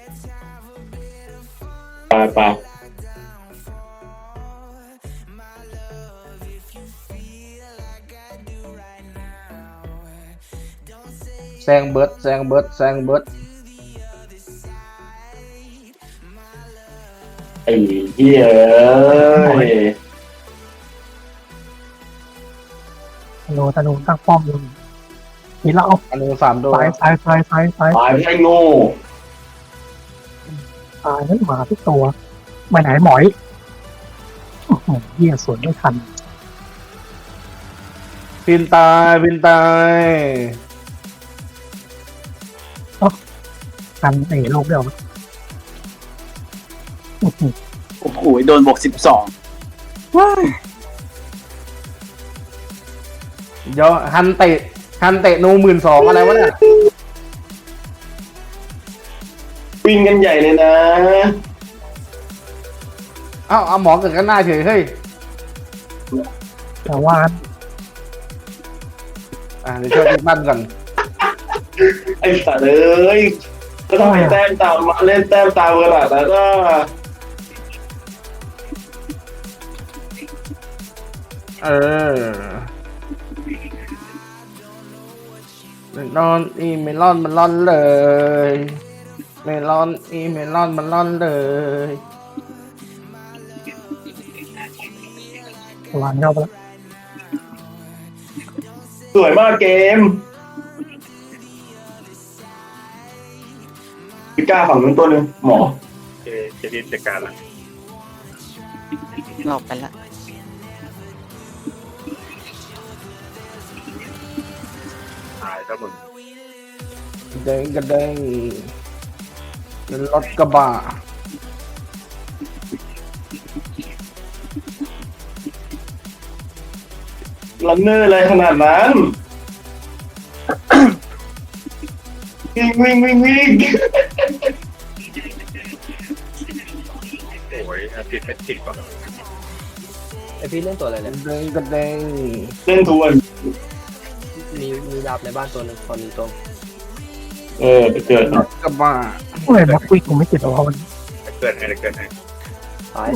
ไปไปแซงเบิร์ดแซงเบิร์ดแซงเบิร์ดไอ้เหี้ยเอ้ยธนูตั้งป้อมอยู่นี่เราเอาอันนึง3 ตัวซ้ายตายไม่ใช่โง่ตายนั่นหมาทุกตัวไปไหนหมอยโอ้โหเหี้ยสวนไม่ทันพินตายพินตายทันไอ้โลกเดียวอื้อหือโอ้โหโดนบวก12ว้ายเดี๋ยวฮันเตะนู12,000อะไรวะเนี่ยวิ่งกันใหญ่เลยนะเอ้าเอาหมอเกิดกันหน้าเฉยเฮ้ยแต่ว่าเดี๋ยวช่วยพี่บ้านก่อนไอ้สัตว์เอ้ยก็ต้องให้แต้มตามมาเล่นแต้มตามกระดาษแล้วก็เออเมลอนอีเมลอนมันร่อนเลยเมลอนอีเมลอนมันร่อนเลยวานเข้าไปแล้วสวยมากเกมพิก้าฝั่งนู้นตัวหนึ่งหมอจะรีบจัดการละเราไปละตายแล้วมึงเด้งกระเด้งเป็นรถกระบะลันเนอร์อะไรขนาดนั้นวิ่งโอ้ยอาทิตย์เป็นสิบก่อนไอพี่เล่นตัวอะไรเนี่ยเด้งกระเด้งเล่นทวนมีดาบในบ้านตัวหนึ่งตอนหนึ่งตัวไปเกิดรถกระบะโอ้ยแม็กควิกกูไม่ติดเอามันเกินให้เกินให้ตาย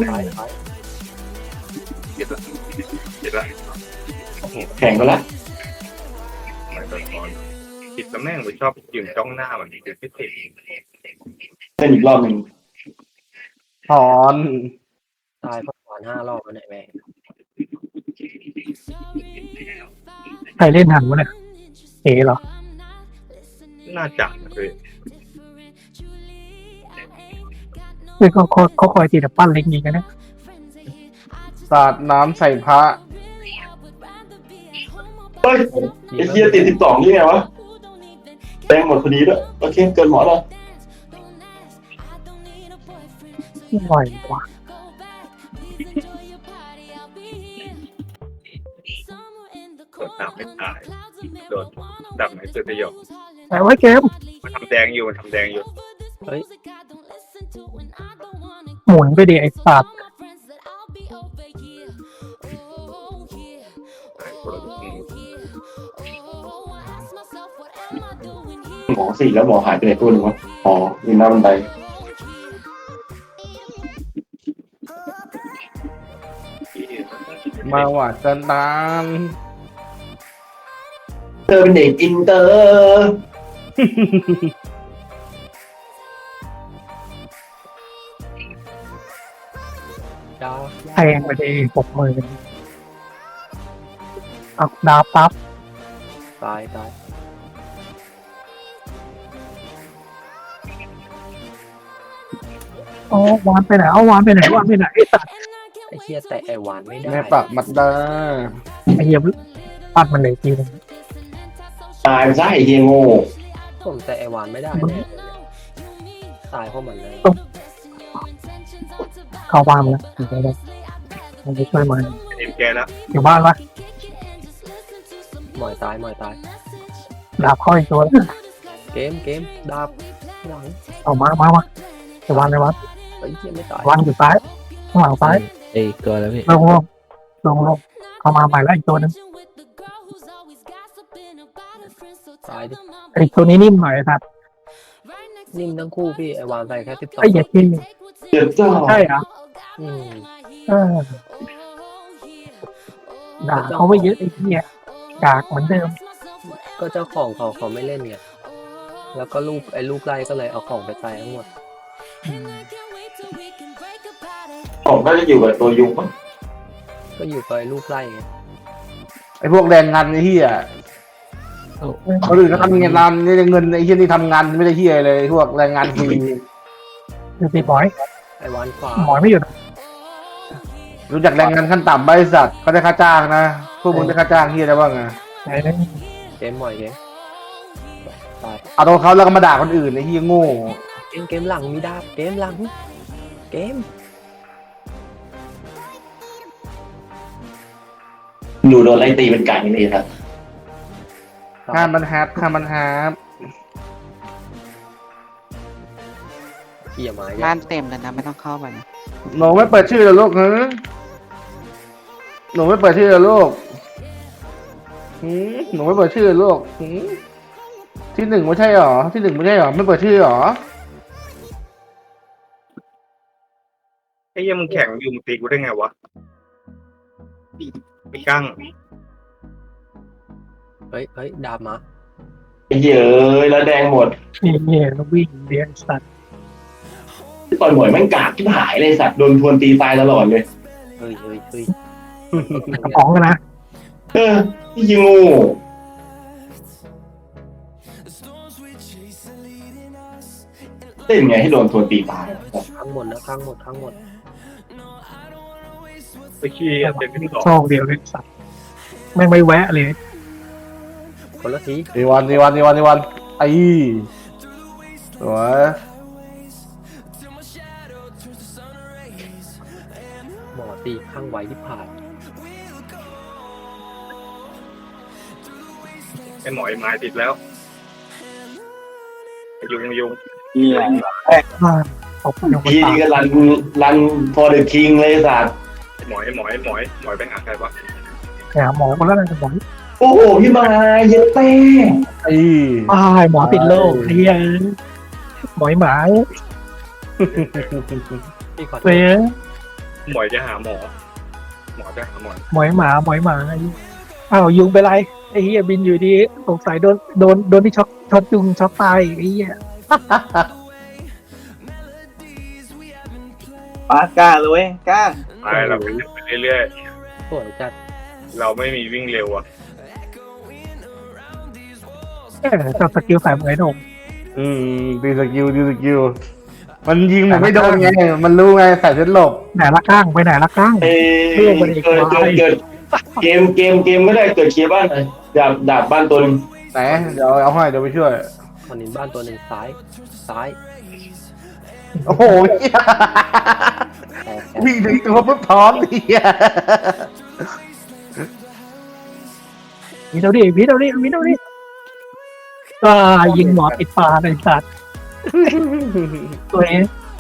เก็บละเก็บละแข่งกันละไม่ต้องนอนผิดตำแหน่งไปชอบยืนจ้องหน้ามันคือพิเศษเล่นอีกรอบหนึ่งถอนตายเพราะหวาน5 รอบแล้วเนี่ยแม่งใครเล่นหันวะเนี่ยเอ๋เหรอน่าจังเลยคือเขาคอยตีแต่ปั้นเล็กนี้กันนะสาดน้ำใส่พระเฮ้ยไอ้เหี้ยติด12นี่ไงวะแต้มหมดพอดีด้วยโอเคเกินหมอแล้วไหวกว่าโดนดำไม่ตายโดนดำไม่เจอประโยชน์แต่ไว้เกมมันทำแดงอยู่มันทำแดงอยู่เฮ้ยหมุนไปดิไอ้สัตว์หมอ4แล้วหมอหายไปไหนตัวหนึ่งวะอ๋ออยู่หน้าบันไดมาหวาดกันตามเธอเป็นเด็กอินเตอร์ดาวแทงไปดิ60,000เอาดาวปั๊บตายอ๋อวานไปไหนเอาวานไปไหนไอ้สัตว์ไอเชี่ยแต่ไอหวานไม่ได้แม่ปักมัดดาไอ้เหี้ยปัดมันเลยทีนึงตายไปซะไอ้เฮียโง่ผมแต่ไอหวานไม่ได้แน่เลยตายเพราะมันเลยเข้าบ้านมาแล้วเดี๋ยวมันจะช่วยมันเอ็มแกแล้วอยู่บ้านวะหมอยตายดาบเข้าอีกตัวแล้วเกมดาบหลังเอามาจะวานในวัดไอเชี่ยไม่ตายวางอยู่ซ้ายข้างหลังซ้ายเอ้ยเกินแล้วพี่ลงเข้ามาใหม่แล้วอีกตัวนึงตายดิไอ้ตัวนี้นิ่มหน่อยครับนิ่มทั้งคู่พี่ไอวานใส่แค่12 ไอ้เหี้ยจริงเจ็บจ้าใช่เหรออืมเออด่าเขาไม่เยอะไอ้เหี้ยกากเหมือนเดิมก็เจ้าของเขาไม่เล่นไงแล้วก็ลูกไล่ก็เลยเอาของไปใส่ทั้งหมดผมก็จะอยู่กับตัวยุงมั้งก็อยู่กับไอ้ลูกไล่ไงไอ้พวกแรงงานไอ้เหี้ยคนอื่นก็ทำงานนี่เงินไอ้เหี้ยนี่ทำงานไม่ได้เหี้ยเลยพวกแรงงานฟรีดูสิหมอยไอวานขวาหมอยไม่อยู่นะรู้จักแรงงานขั้นต่ำบริษัทเขาได้ค่าจ้างนะพวกมึงได้ค่าจ้างเหี้ยได้บ้างไงไหนนั่นเกมหมอยเกมตายเอาตัวเขาแล้วก็มาด่าคนอื่นไอ้เหี้ยโง่เกมหลังมีดาบเกมหลังเกมอยู่โดนไล่ตีเป็นไก่นี่ครับห้ามมันฮับห้ามมันฮับเขี่ยไม้บ้านเต็มแล้วนะไม่ต้องเข้าไปนะหนูไม่เปิดชื่อเหรอลูกฮะหนูไม่เปิดชื่อเหรอลูกหนูไม่เปิดชื่อเหรอลูกที่หนึ่งไม่ใช่หรอที่หนึ่งไม่ใช่หรอไม่เปิดชื่อหรอไอ้เหี้ยังมึงแข่งอยู่มึงตีกูได้ไงวะไปกั้งเฮ้ยดาบมาไอ้เหี้ยเอ้ยแล้วแดงหมดนี่เนี่ยต้องวิ่งเลี้ยงสัตว์ต่อยหมวยแม่งกากที่หายเลยสัตว์โดนทวนตีตายตลอดเลยเฮ้ยกระป๋องกันนะเออที่ยิงงู เล่นไงให้โดนทวนตีตายข้างหมดนะข้างหมดไปขี้เต็มที่สองโชคเดียวเลยสัตว์แม่งไม่แวะเลยคนละทีดีวันไอ้สวยหมอตีข้างไว้ที่ผ่านไอ้หมอยไม้ติดแล้วไอ้ยุงเนี่ยตบอยู่บนพี่ปานี่กก็รัน for the king เลยสัตว์ไอ้หมอยไปหาใครวะหาหมอคนละนั่นหมอโอ้โหพี่มาเย็ดเต้ไอ้อ้ายหมอติดโรคเฮียหมอยหมาพี่ขอโทเว้ษยหมอยจะหาหมอจะหาหมอหมอยหมาอ้าวยุงไปไรไอ้เฮียบินอยู่ดีสงสัยโดนที่ช็อกยุงช็อกตายไอ้เฮียปากล้าเลยเว้ยกล้าไปเราไปเรื่อยสวยจัดๆเราไม่มีวิ่งเร็วอ่ะจับสกิลใส่เหมือนหนุ่มดีสกิลมันยิงมันไม่โดนไงมันรู้ไงใส่เส้นหลบไหนละก้างไปไหนละก้างเกิดเกมไม่ได้เกิดเคลียร์บ้านเลยดาบบ้านตัวนึงไหนเดี๋ยวเอาให้เดี๋ยวไปช่วยคอนินบ้านตัวหนึ่งซ้ายโอ้โหเหี้ยแต่วิ่งถึงตัวปุ๊บพร้อมเหี้ยวิดเอาดิยิงหมอติดปลาในสัตว์ตัวเอง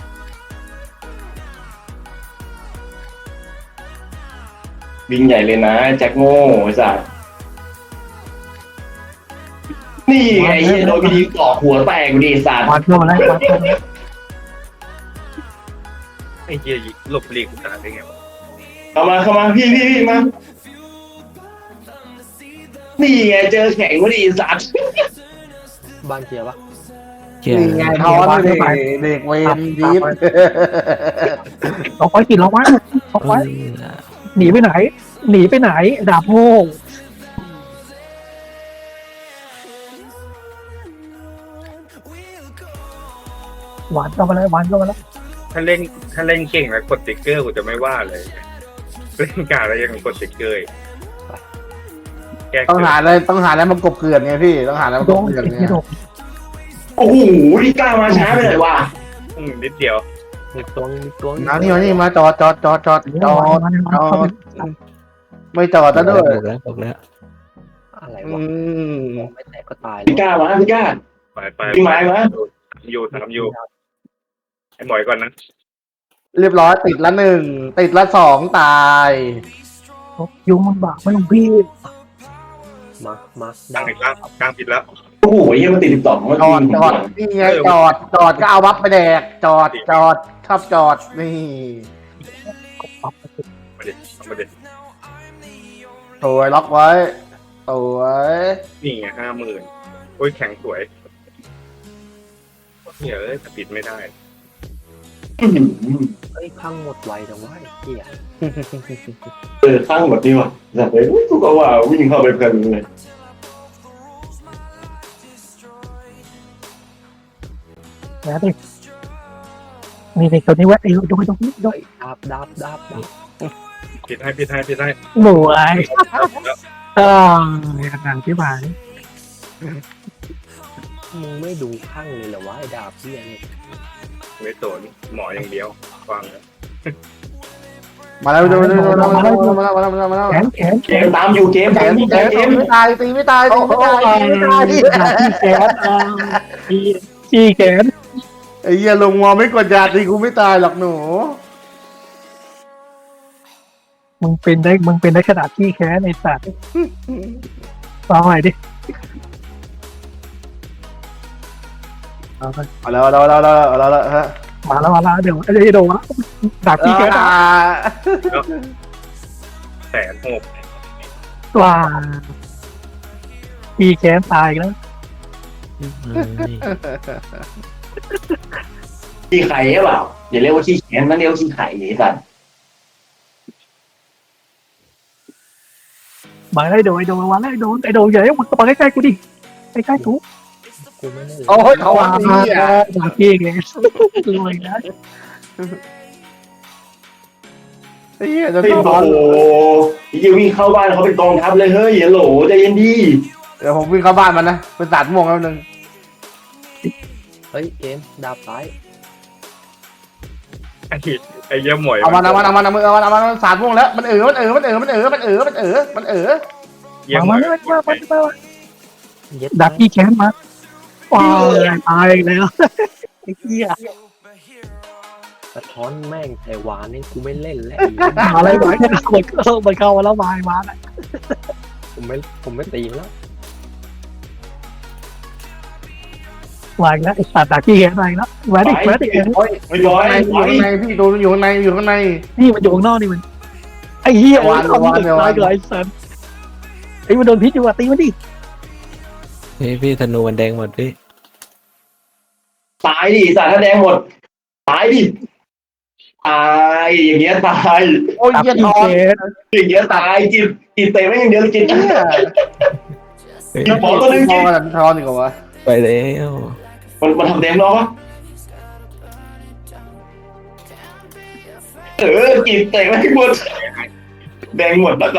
วิ่งใหญ่เลยนะแจ็คโง่ไอ้สัตว์นี่ไงโดนพี่ต่อหัวแตกดีสัตว์วันเข้ามาแล้วไอ้เหี้ยหลบหลีกกูตายได้ไงวะเข้ามาพี่มานี่ไงเจอแข่งพอดีสัตว์บ้านเคลียร์ปะนี่ไงท้อนเลยเด็กเวนยิบล็อกไว้ล็อกไว้หนีไปไหนดาบโง่หวานเข้ามาแล้วถ้าเล่นเก่งแล้วกดติ๊กเกอร์กูจะไม่ว่าเลยเล่นกาแล้วยังกดติ๊กเกอร์แก้ต้องหาอะไรมากบเกลื่อนไงพี่ต้องหาอะไรมากบเกลื่อนไงโอ้โหนี่กล้ามาช้าไปหน่อยวะนิดเดียวมีตัวนี่มาจอดไม่จอดแล้วด้วยอะไรวะไม่แตกก็ตายพี่กล้าไปไปพี่ไม้มาถามอยู่ไอ้หมอยก่อนนะเรียบร้อยติดละ1ติดละ2ตายยุงมันบากไม่ลงพี่มาตั้งอีกแล้วกลางผิดแล้วโอ้โหยังมันติด12มันจอดนี่ไงจอดก็เอาบัฟไปแดกจอดชอบจอดนี่มาดิสวยล็อกไว้สวยนี่ไง50,000โอ้ยแข็งสวยเนี่ยแต่ปิดไม่ได้เอ้ยพังหมดไวจังวะไอ้เหี้ยข้างหมดนี่ว่ะแต่เฮ้ยกูก็ว่าวิ่งเข้าไปเพลินเลยแล้วดินี่ในตัวนี้วะไอ้ดูดูดูดูเฮ้ยดับปิดให้หนูไอ้ขนาดที่มามึงไม่ดูข้างเลยเหรอวะไอ้ดาบเหี้ยนี่ไม่สนหมออย่างเดียวฟังมาแล้วมาแล้วแขนเกมตามอยู่เกมแขตามนอยู่แขนเกมไม่ตายตีไม่ตายที่แขนไอ้เหี้ยลงมอไม่กดยาตีกูไม่ตายหรอกหนูมึงเป็นได้ขนาดที่แขนไอ้สัตว์ฟังหน่อยดิเอาแล้วฮะมาแล้วเดี๋ยวไอ้โดนดักที่แขน 160,000 ว่าที่แขนตายแล้วขี้ไข่หรือเปล่าอย่าเรียกว่าขี้แขนนั่นเรียกว่าขี้ไข่ไอ้สัตว์มาไอ้โดนมาแล้วไอ้โดนใหญ่มึงมาใกล้ๆกูดิใกล้ๆกูกูไม่ได้เลยโอ้ยเขาว่าอันนี้อ่ะดักที่แขนรวยนะไอ้เหี้ยจะเฮ้ยต้องโอ้โหยังวิ่งเข้าบ้านเขาเป็นกองทัพเลยเฮ้ยอย่าโหลใจเย็นดีเดี๋ยวผมวิ่งเข้าบ้านมันนะเป็นสาดม่วงแล้วนึงเฮ้ยเกมดาบซ้ายไอ้เยี่ยหมวยเอามันสาดม่วงแล้วมันมันเยี่ยหมมาวยเย็ดดักที่แขนมาว้าวตายแล้วไอ้เหี้ยสะท้อนแม่งไอ้หวานนี่กูไม่เล่นแล้วมาอะไรวะเนี่ยมันเข้ามาแล้วมาแล้วผมไม่ตีแล้ววางแล้วไอ้สัตว์ดักที่แขนวางแล้วแหวนดิไม่ร้อยไว้พี่โดนอยู่ข้างในนี่มันอยู่ข้างนอกนี่มันไอ้เหี้ยตายเกิดไอ้สัตว์ไอ้มันโดนพิษอยู่ตีมันดิพี่ธนูมันแดงหมดพี่ตายดิสัตว์ถ้าแดงหมดตายดิตายอย่างเงี้ยตายโอ้ยเหี้ยทอนอย่างเงี้ยตายกินเตะไม่อย่างเดียวกินเนี่ยกินหมอตัวนึงทกิอน นทอนดีกว่าวะไปแล้วมันทำแดงรอปะกินเตะไม่หมดแดงหมดแล้วก็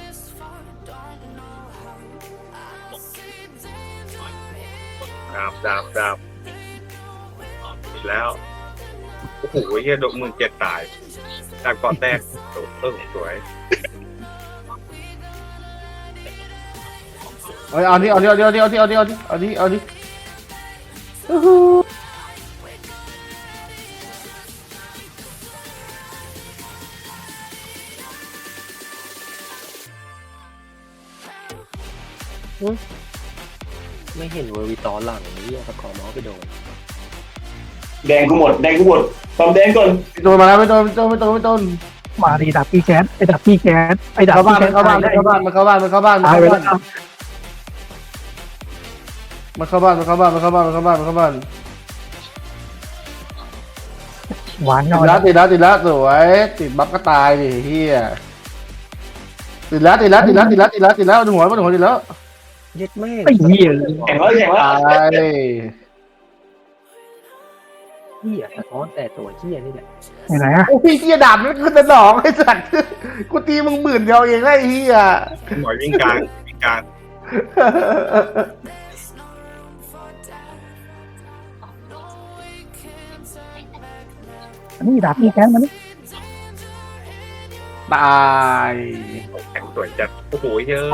ดาบอีกแล้วโอ้โหเยี่ยโดน17,000ตายจากก่อนแตกสวยเอาดิไม่เห็นเวอร์วิตอหลังนี่ตะขอม้อไปโดนแดงกูหมดตอมแดงก่อนโดนมาแล้วไม่โดนมาดีดักที่แขนไอ้ดักที่แขนไอ้ดักเข้าที่บ้านแขนมันเข้าบ้านตายไปแล้วมันเข้าบ้านหวานติน้อดยแล้วสวยติดบัฟก็ตายดิเฮียติดแล้วหัวติดแล้วเย็ดแม่ไอ้เหี้ยแข่งแล้วตายเหี้ยสะท้อนแต่ตัวเหี้ยนี่แหละไหนอ่ะโอ้พี่เฮียดาบมันขึ้นแต่ดอกไอ้สัตว์กูตีมึง10,000เดียวเองไอ้เฮียหมวยวิ่งกลางนี่ดักที่แขนมันนี่ตายแข็งสวยจัดโอ้โหเยอะ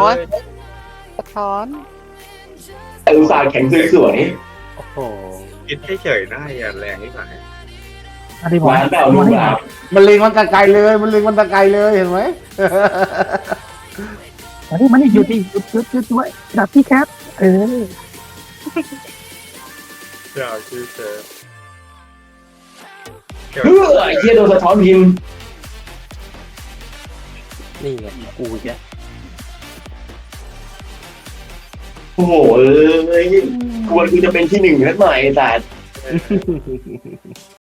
อุตส่าห์แข่งสวยโอ้โหคิดเฉยๆได้อย่าแรงนิดหน่อยอะไรๆหหวาวาน นเปล่าลูกหลานมันเล็งมันตะไกลเลยเห็นไหมมันนี่หยุดดิหยุดด้วยดับที่แคปเออจะเอาชื่อเจอไอ้เหี้ยโดนสะท้อนพิมพ์นี่ไงกูอีกแล้วโอ้โหควรกูจะเป็นที่หนึ่งนัดใหม่แต่